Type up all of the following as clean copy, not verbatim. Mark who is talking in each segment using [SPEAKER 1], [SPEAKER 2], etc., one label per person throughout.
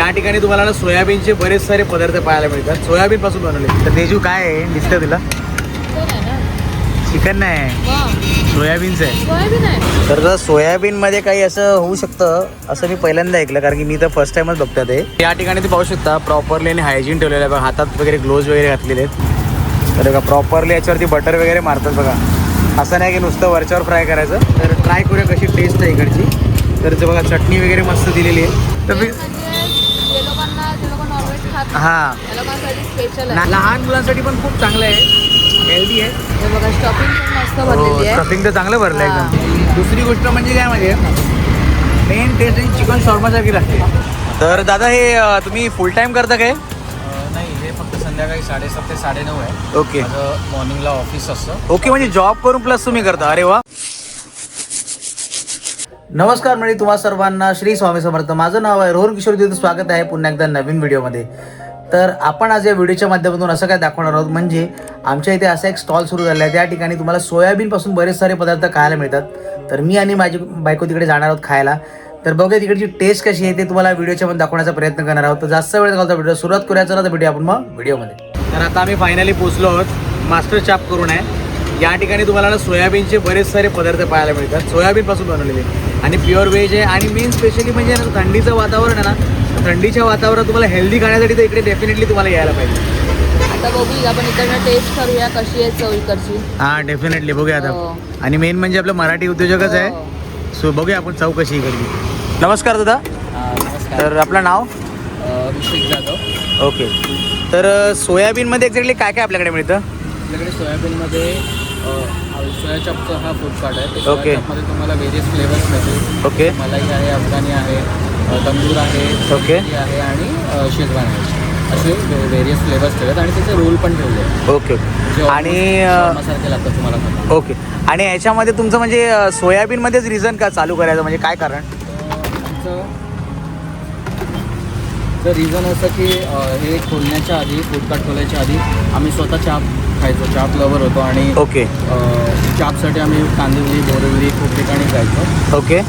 [SPEAKER 1] या ठिकाणी तुम्हाला ना सोयाबीनचे बरेच सारे पदार्थ पाहायला मिळतात. सोयाबीन पासून बनवले. तर तेजू काय आहे दिसतं तुला? चिकन नाही, सोयाबीनचं आहे. तर सोयाबीनमध्ये काही असं होऊ शकतं असं मी पहिल्यांदा ऐकलं, कारण की मी तर फर्स्ट टाइमच बघतात आहे. या ठिकाणी तुम्ही पाहू शकता प्रॉपरली आणि हायजीन ठेवलेलं आहे बघा. हातात वगैरे ग्लोव्ज वगैरे घातलेले आहेत. तर बघा प्रॉपरली याच्यावरती बटर वगैरे मारतात बघा. असं नाही की नुसतं वरच्यावर फ्राय करायचं. तर ट्राय करूया कशी टेस्ट आहे इकडची. तर ते बघा चटणी वगैरे मस्त दिलेली आहे. तर मी हां, लहान मुलांसाठी पण खूप चांगलं आहे, हेल्दी आहे.
[SPEAKER 2] बघा स्टफिंग पण मस्त भरलेली आहे.
[SPEAKER 1] स्टफिंग तर चांगलं भरलं आहे एकदम. दुसरी गोष्ट म्हणजे काय म्हणजे मेन टेस्ट चिकन शॉर्मासारखी लागते. तर दादा हे तुम्ही फुल टाइम करता काय?
[SPEAKER 3] नाही, हे फक्त संध्याकाळी 7:30 ते 9:30 आहे.
[SPEAKER 1] ओके
[SPEAKER 3] माझं मॉर्निंगला ऑफिस असतं.
[SPEAKER 1] ओके, म्हणजे जॉब करून प्लस तुम्ही करता. अरे वा. नमस्कार म्हणजे तुम्हा सर्वांना श्री स्वामी समर्थ. माझं नाव आहे रोहन किशोर देव. स्वागत आहे पुन्हा एकदा नवीन व्हिडिओमध्ये. तर आपण आज या व्हिडिओच्या माध्यमातून असं काय दाखवणार आहोत, म्हणजे आमच्या इथे असा एक स्टॉल सुरू झाला आहे. त्या ठिकाणी तुम्हाला सोयाबीनपासून बरेच सारे पदार्थ खायला मिळतात. तर मी आणि माझी बायको तिकडे जाणार आहोत खायला. तर बघूया तिकडची टेस्ट कशी आहे ते तुम्हाला व्हिडिओच्या मध्ये दाखवण्याचा प्रयत्न करणार आहोत. तर जास्त वेळ घालता व्हिडिओ सुरुवात करायचं ना, तर भेटूया आपण मग व्हिडिओमध्ये. तर आता आम्ही फायनली पोहोचलो आहोत. मास्टर चाप करून आहे. या ठिकाणी तुम्हाला ना सोयाबीनचे बरेच सारे पदार्थ पाहायला मिळतात. सोयाबीनपासून बनवलेले आणि प्युअर व्हेज आहे. आणि मेन स्पेशली म्हणजे थंडीचं वातावरण आहे ना, थंडीच्या वातावरणात तुम्हाला हेल्दी खाण्यासाठी तर इकडे डेफिनेटली तुम्हाला यायला पाहिजे.
[SPEAKER 2] आता बघूया आपण इकडनं टेस्ट करूया कशी आहे चव इकडची.
[SPEAKER 1] हां, डेफिनेटली बघूया आता.
[SPEAKER 2] हो.
[SPEAKER 1] आणि मेन म्हणजे आपलं मराठी उद्योजकच आहे. सो बघूया आपण चव कशी इकडची. नमस्कार दादा.
[SPEAKER 3] नमस्कार.
[SPEAKER 1] तर आपलं नाव?
[SPEAKER 3] ऋषिक जाधव.
[SPEAKER 1] ओके. तर सोयाबीनमध्ये एक्झॅक्टली काय काय आपल्याकडे मिळतं?
[SPEAKER 3] आपल्याकडे सोयाबीनमध्ये सोया चॉपचा हा फूड कार्ट आहे. ते
[SPEAKER 1] ओके.
[SPEAKER 3] सोया चॉपमध्ये तुम्हाला व्हेरियस फ्लेवर्स मिळतील.
[SPEAKER 1] ओके
[SPEAKER 3] मलाई आहे, अफगाणी आहे, तंदूर आहे,
[SPEAKER 1] ओके.
[SPEAKER 3] चिली आहे आणि शेजवान आहे. असे व्हेरियस फ्लेवर्स ठेवलेत आणि त्याचे रोल पण ठेवले आहेत.
[SPEAKER 1] ओके
[SPEAKER 3] जे
[SPEAKER 1] आणि
[SPEAKER 3] सारखे लागतात तुम्हाला खाता.
[SPEAKER 1] ओके. आणि याच्यामध्ये तुमचं म्हणजे सोयाबीनमध्येच रिझन का चालू करायचं, म्हणजे काय कारण?
[SPEAKER 3] आमचं रिझन असं की हे खोलण्याच्या आधी, फूड कार्ट खोलायच्या आधी आम्ही स्वतः चाप खायचो. चाप लवर होतो आणि
[SPEAKER 1] ओके
[SPEAKER 3] चापसाठी आम्ही कांदिवली, बोरिवली खूप ठिकाणी जायचो.
[SPEAKER 1] ओके.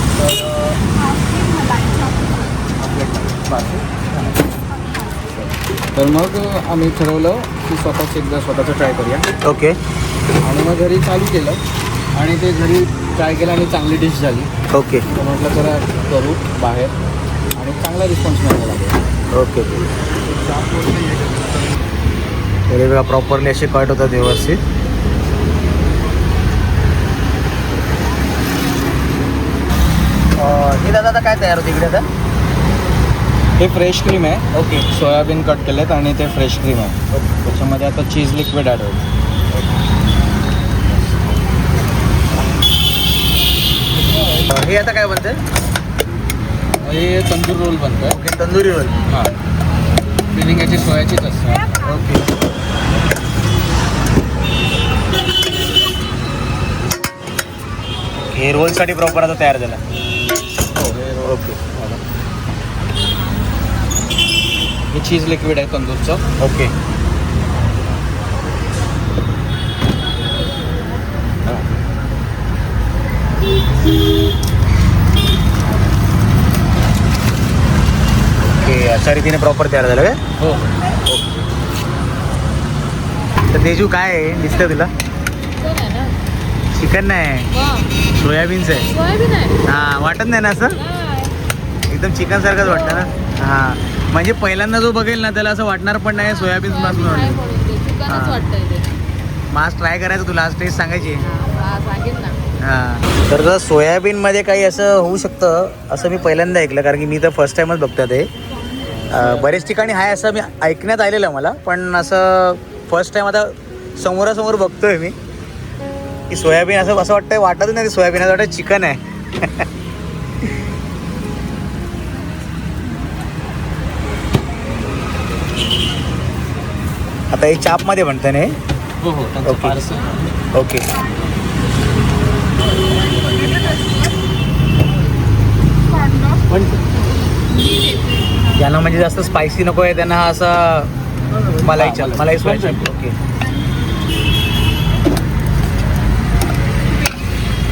[SPEAKER 3] तर मग आम्ही ठरवलं की स्वतःचं ट्राय करूया.
[SPEAKER 1] ओके.
[SPEAKER 3] आणि मग घरी चालू केलं आणि ते घरी ट्राय केलं आणि चांगली डिश झाली.
[SPEAKER 1] ओके.
[SPEAKER 3] तर म्हटलं जरा करू बाहेर आणि चांगला रिस्पॉन्स मिळायला लागला.
[SPEAKER 1] ओके. तरी बघा प्रॉपरली असे कट होतात व्यवस्थित. हे दादा आता काय तयार होते इकडे आता?
[SPEAKER 3] हे फ्रेश क्रीम आहे.
[SPEAKER 1] ओके.
[SPEAKER 3] सोयाबीन कट केलेत आणि ते फ्रेश क्रीम आहे. त्याच्यामध्ये आता चीज लिक्विड ॲड होईल.
[SPEAKER 1] हे आता काय बनतंय?
[SPEAKER 3] हे तंदूर रोल बनतं आहे.
[SPEAKER 1] Okay, tandoori roll.
[SPEAKER 3] हां, फिलिंग याची सोयाचीच असते.
[SPEAKER 1] ओके. हे रोलसाठी प्रॉपर आता तयार झाला.
[SPEAKER 3] हो, हे रोल.
[SPEAKER 1] ओके.
[SPEAKER 3] हे चीज लिक्विड आहे तंदूरचं.
[SPEAKER 1] ओके. ओके, अशा रीतीने प्रॉपर तयार झालं काय?
[SPEAKER 3] हो.
[SPEAKER 1] तर तेजू काय आहे दिसतं तुला?
[SPEAKER 2] चिकन आहे ना.
[SPEAKER 1] चिकन नाही, सोयाबीनचं आहे.
[SPEAKER 2] सोयाबीन आहे.
[SPEAKER 1] हां, वाटत नाही ना असं? एकदम चिकन सारखंच वाटतं ना. हां, म्हणजे पहिल्यांदा जो बघेल ना त्याला असं वाटणार पण नाही सोयाबीन पासून
[SPEAKER 2] आहे
[SPEAKER 1] वाटलं.
[SPEAKER 2] म्हणून ते चिकनच वाटतंय ते.
[SPEAKER 1] मास ट्राय करायचं तुला, आज टेस्ट सांगायची.
[SPEAKER 2] हा, सांगेन ना.
[SPEAKER 1] हां, तर सोयाबीनमध्ये काही असं होऊ शकतं असं मी पहिल्यांदा ऐकलं, कारण की मी तर फर्स्ट टाइमच बघतो ते. बरेच ठिकाणी आहे असं मी ऐकण्यात आलेलं मला, पण असं फर्स्ट टाइम आता समोरासमोर बघतोय मी की सोयाबीन असं वाटतंय. वाटतच नाही ते सोयाबीन, असं वाटतं चिकन आहे. आता हे चापमध्ये म्हणतं ना हे?
[SPEAKER 3] हो हो, त्यांचं
[SPEAKER 1] ओके.
[SPEAKER 3] पार्सल.
[SPEAKER 1] ओके. ज्यांना म्हणजे जास्त स्पायसी नको आहे त्यांना हा असा मलाई सोया चाप. ओके.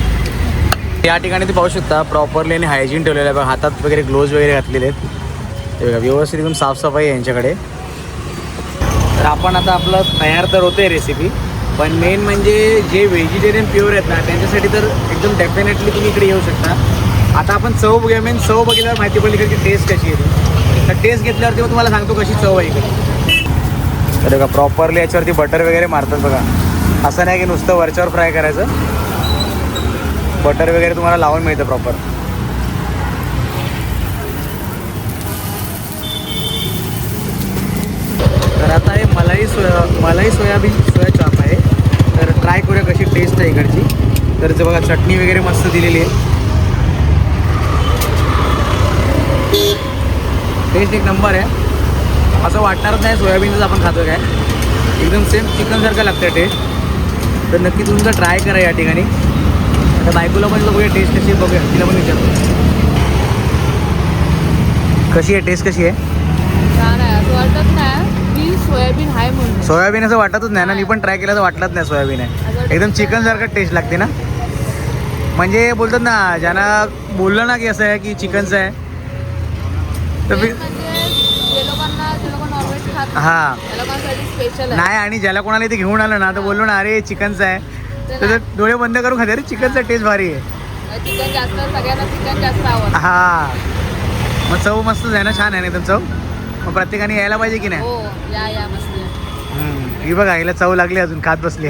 [SPEAKER 1] या ठिकाणी तुम्ही पाहू शकता प्रॉपरली आणि हायजीन ठेवलेलं आहे बघा. हातात वगैरे ग्लोव्ज वगैरे घातलेले आहेत. हे बघा व्यवस्थित एकदम साफसफाई आहे यांच्याकडे. तर आपण आता आपलं तयार तर होते रेसिपी, पण मेन म्हणजे जे व्हेजिटेरियन प्युअर आहेत ना त्यांच्यासाठी तर एकदम डेफिनेटली तुम्ही इकडे येऊ शकता. आता आपण चव बघूया. मेन चव बघितल्यावर माहिती पडली की टेस्ट कशी येते. तर टेस्ट घेतल्यावरती मग तुम्हाला सांगतो कशी चव आहे इकडे. तर बघा प्रॉपरली याच्यावरती बटर वगैरे मारतात बघा. असं नाही की नुसतं वरच्यावर फ्राय करायचं, बटर वगैरे तुम्हाला लावून मिळतं प्रॉपर. तर आता हे मलाई सोयाबीन सोया चाप आहे. तर ट्राय करूया कशी टेस्ट आहे इकडची. तर बघा चटणी वगैरे मस्त दिलेली आहे. टेस्ट एक नंबर आहे. असं वाटणारच नाही सोयाबीनच आपण खातो काय, एकदम सेम चिकनसारखं लागतं टेस्ट. तर नक्की तुमचं ट्राय करा या ठिकाणी. आता बायकोला पण बघूया टेस्ट कशी आहे, बघूया तिला पण विचारतो कशी आहे टेस्ट कशी आहे.
[SPEAKER 2] छान आहे. असं वाटत नाही की सोयाबीन आहे म्हणून.
[SPEAKER 1] सोयाबीन असं वाटतच नाही ना. मी पण ट्राय केलं तर वाटलंच नाही सोयाबीन आहे. एकदम चिकनसारखं टेस्ट लागते ना. म्हणजे बोलतात ना ज्यांना बोललं ना की असं आहे की चिकनचं आहे तर
[SPEAKER 2] म्हणजे जे लोक नॉनव्हेज खात
[SPEAKER 1] हां
[SPEAKER 2] त्या लोकांसाठी स्पेशल आहे.
[SPEAKER 1] नाही. आणि ज्याला कोणाला इथे घेऊन आलं ना तर बोललो ना अरे चिकनचं आहे तर डोळे बंद करून खाते. अरे चिकनचा टेस्ट भारी आहे.
[SPEAKER 2] चिकन जास्त सगळ्यांना चिकन जास्त आवडतं.
[SPEAKER 1] हां मग चव मस्तच आहे ना. छान आहे ना एकदम चव. मग प्रत्येकाने यायला पाहिजे की नाही.
[SPEAKER 2] हो या मस्त.
[SPEAKER 1] ही बघा हिला चव लागली अजून खात बसली.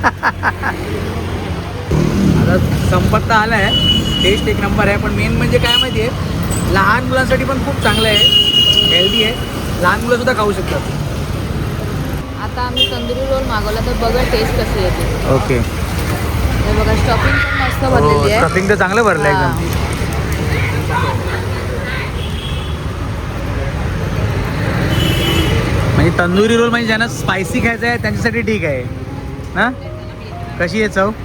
[SPEAKER 1] आता संपत तर आला आहे. टेस्ट एक नंबर आहे. पण मेन म्हणजे काय माहिती आहे लहान मुलांसाठी पण खूप चांगलं आहे, हेल्दी आहे. लहान मुलंसुद्धा खाऊ शकतात.
[SPEAKER 2] आता आम्ही तंदुरी रोल मागवला तर बघा टेस्ट कशी येते.
[SPEAKER 1] ओके.
[SPEAKER 2] हे बघा स्टफिंग पण मस्त भरलेली आहे.
[SPEAKER 1] स्टफिंग तर चांगलं भरलं एकदम. म्हणजे तंदुरी रोल म्हणजे ज्यांना स्पायसी खायचं आहे त्यांच्यासाठी ठीक आहे ना. कशी आहे चव.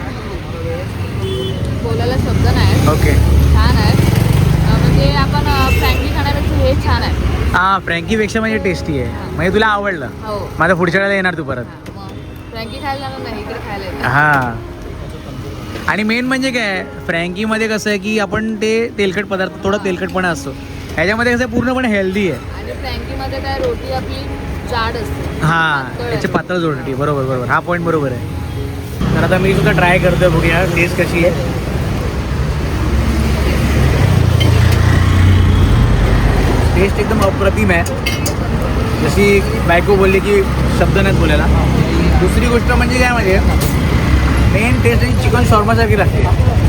[SPEAKER 2] बोलायला शब्द नाही.
[SPEAKER 1] ओके.
[SPEAKER 2] छान आहे. म्हणजे आपण फ्रँकी खाण्यापेक्षा हे छान आहे.
[SPEAKER 1] हां फ्रँकीपेक्षा म्हणजे टेस्टी आहे. म्हणजे तुला आवडलं.
[SPEAKER 2] हो.
[SPEAKER 1] माझ्या पुढच्या वेळेला येणार तू परत.
[SPEAKER 2] फ्रँकी खायला जाणार नाही इकडे खायला येतं.
[SPEAKER 1] हां. आणि मेन म्हणजे काय फ्रँकीमध्ये कसं आहे की आपण ते तेलकट पदार्थ थोडं तेलकटपणा असतो. ह्याच्यामध्ये कसं पूर्णपणे हेल्दी आहे.
[SPEAKER 2] आणि फ्रँकीमध्ये काय रोटी आपली जाड असते.
[SPEAKER 1] हां त्याची पातळ जोडटी. बरोबर. हा पॉईंट बरोबर आहे. तर आता मी सुद्धा ट्राय करतोय बघूया टेस्ट कशी आहे. टेस्ट एकदम अप्रतिम आहे. जशी बायको बोलली की शब्द नाहीत बोलायला. दुसरी गोष्ट म्हणजे काय म्हणजे मेन टेस्ट ही चिकन शॉर्मासारखी लागते.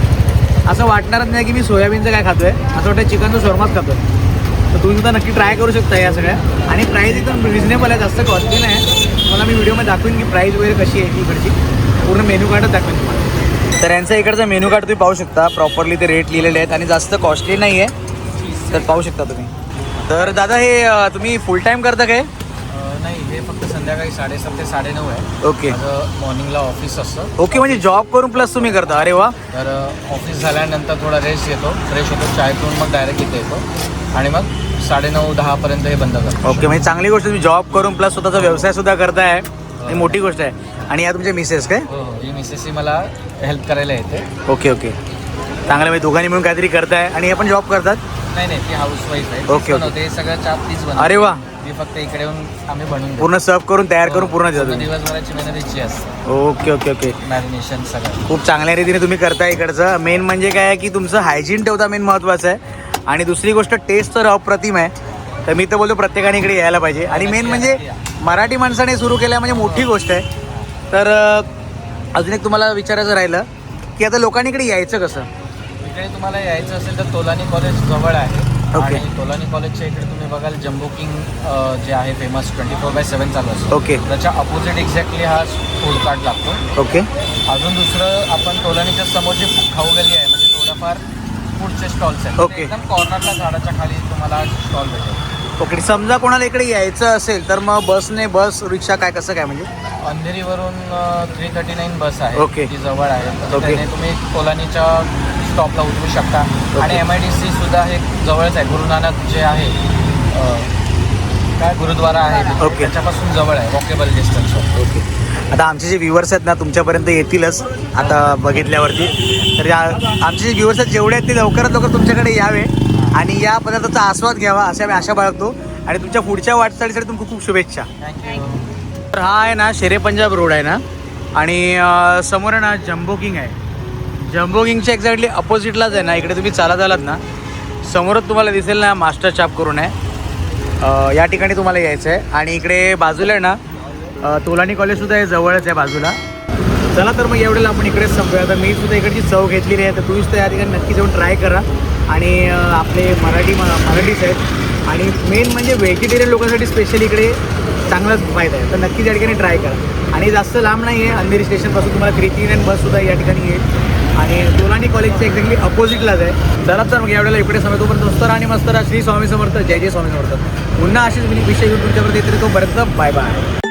[SPEAKER 1] असं वाटणारच नाही की मी सोयाबीनचं काय खातोय, असं वाटतं चिकनचं शॉर्माच खातोय. तर तुम्ही सुद्धा नक्की ट्राय करू शकता या सगळ्या. आणि प्राईस एकदम रिजनेबल आहे, जास्त कॉस्टली नाही. मला मी व्हिडिओमध्ये दाखवेन की प्राईस वगैरे कशी आहे इकडची. पूर्ण मेन्यू कार्डच दाखवेन तुम्हाला. तर यांचा इकडचा मेन्यू कार्ड तुम्ही पाहू शकता. प्रॉपरली ते रेट लिहिलेले आहेत आणि जास्त कॉस्टली नाही आहे. तर पाहू शकता तुम्ही. तर दादा हे तुम्ही फुल टाईम करता काय.
[SPEAKER 3] नाही हे फक्त संध्याकाळी 7:30 ते 9:30 आहे.
[SPEAKER 1] ओके.
[SPEAKER 3] माझं मॉर्निंगला ऑफिस असतं.
[SPEAKER 1] ओके म्हणजे जॉब करून प्लस तुम्ही करता. अरे वा.
[SPEAKER 3] तर ऑफिस झाल्यानंतर थोडा रेस्ट घेतो, फ्रेश होतो, चाय पिऊन मग डायरेक्ट इथे येतो आणि मग 9:30-10 पर्यंत हे बंद करतो.
[SPEAKER 1] ओके म्हणजे चांगली गोष्ट. तुम्ही जॉब करून प्लस स्वतःचा व्यवसाय सुद्धा करताय. ही मोठी गोष्ट आहे. आणि या तुमच्या मिसेस काय.
[SPEAKER 3] हो ही मिसेस मला हेल्प करायला येते.
[SPEAKER 1] ओके. चांगलं म्हणजे दोघांनी मिळून काहीतरी करताय. आणि हे पण जॉब करतात.
[SPEAKER 3] नाही ती हाऊसवाईफ आहे.
[SPEAKER 1] ओके.
[SPEAKER 3] हे सगळं चाप तीच बनवते.
[SPEAKER 1] अरे वा.
[SPEAKER 3] मी फक्त इकडे येऊन आम्ही बनवून
[SPEAKER 1] पूर्ण सर्व करून तयार करून पूर्ण देतो तुम्ही.
[SPEAKER 3] दिवसभराची मेहनतीची असते.
[SPEAKER 1] ओके.
[SPEAKER 3] मॅरिनेशन सगळं
[SPEAKER 1] खूप चांगल्या रीतीने तुम्ही करताय इकडचं. मेन म्हणजे काय आहे की तुमचं हायजीन ठेवता मेन महत्त्वाचं आहे. आणि दुसरी गोष्ट टेस्ट तर अप्रतिम आहे. तर मी तर बोलतो प्रत्येकाने इकडे यायला पाहिजे. आणि मेन म्हणजे मराठी माणसाने सुरू केलं म्हणजे मोठी गोष्ट आहे. तर अजून एक तुम्हाला विचारायचं राहिलं की आता लोकांनी इकडे यायचं कसं.
[SPEAKER 3] इकडे तुम्हाला यायचं असेल तर तोलानी कॉलेज जवळ आहे.
[SPEAKER 1] ओके.
[SPEAKER 3] आणि तोलानी कॉलेजच्या इकडे तुम्ही बघाल जम्बो किंग जे आहे फेमस 24/7 चालू असतो.
[SPEAKER 1] ओके.
[SPEAKER 3] त्याच्या अपोजिट एक्झॅक्टली हा फूड कार्ट लागतो.
[SPEAKER 1] ओके.
[SPEAKER 3] अजून दुसरं आपण तोलानीच्या समोर जी खाऊ गल्ली आहे म्हणजे थोडंफार फूडचे स्टॉल्स आहेत.
[SPEAKER 1] ओके.
[SPEAKER 3] एकदम कॉर्नरला झाडाच्या खाली तुम्हाला स्टॉल भेटेल.
[SPEAKER 1] ओके. समजा कोणाला इकडे यायचं असेल तर मग बस रिक्षा काय कसं काय म्हणजे.
[SPEAKER 3] अंधेरीवरून 339 बस आहे.
[SPEAKER 1] ओके.
[SPEAKER 3] ती जवळ आहे. तर
[SPEAKER 1] ओके.
[SPEAKER 3] त्याने तुम्ही तोलानीच्या स्टॉपला उतरू शकता. आणि MIDC सुद्धा हे जवळच आहे. गुरु नानक जे आहे काय गुरुद्वारा आहे
[SPEAKER 1] ओके.
[SPEAKER 3] त्याच्यापासून जवळ आहे. Walkable distance.
[SPEAKER 1] ओके. आता आमचे जे व्ह्युअर्स आहेत ना तुमच्यापर्यंत येतीलच आता बघितल्यावरती. तर आमचे जे व्ह्युअर्स आहेत जेवढे आहेत ते लवकरात लवकर तुमच्याकडे यावे. आणि या पदार्थाचा आस्वाद घ्यावा असे आम्ही आशा बाळगतो आणि तुमच्या पुढच्या वाटचालीसाठी तुमच्या खूप शुभेच्छा. तर हा आहे ना शेरे पंजाब रोड आहे ना आणि समोर आहे ना जम्बो किंग आहे. जम्बो किंगच्या एक्झॅक्टली अपोजिटलाच आहे ना, इकडे तुम्ही चालत आलात ना समोरच तुम्हाला दिसेल ना मास्टर चाप करून आहे. या ठिकाणी तुम्हाला यायचं आहे आणि इकडे बाजूला आहे ना तोलानी कॉलेजसुद्धा आहे, जवळच आहे बाजूला. चला तर मग एवढ्याला आपण इकडेच संपूया. आता मी सुद्धा इकडची चव घेतलेली आहे, तर तुम्ही सुद्धा या ठिकाणी नक्की जाऊन ट्राय करा. आणि आपले मराठीच आहेत आणि मेन म्हणजे व्हेजिटेरियन लोकांसाठी स्पेशली इकडे चांगलाच फायदा आहे, तर नक्कीच या ठिकाणी ट्राय करा. आणि जास्त लांब नाही आहे, अंधेरी स्टेशनपासून तुम्हाला 339 बससुद्धा या ठिकाणी येईल आणि तोलानी कॉलेजच्या एक्झॅक्टली अपोजिटलाच आहे. चला तर मग एवढ्याला इकडे समय तोपर्यंत मस्त आणि मस्त श्री स्वामी समर्थ, जय जय स्वामी समर्थ. पुन्हा अशीच विषय घेऊन तुमच्यापर्यंत येते, तोपर्यंत बाय बाय.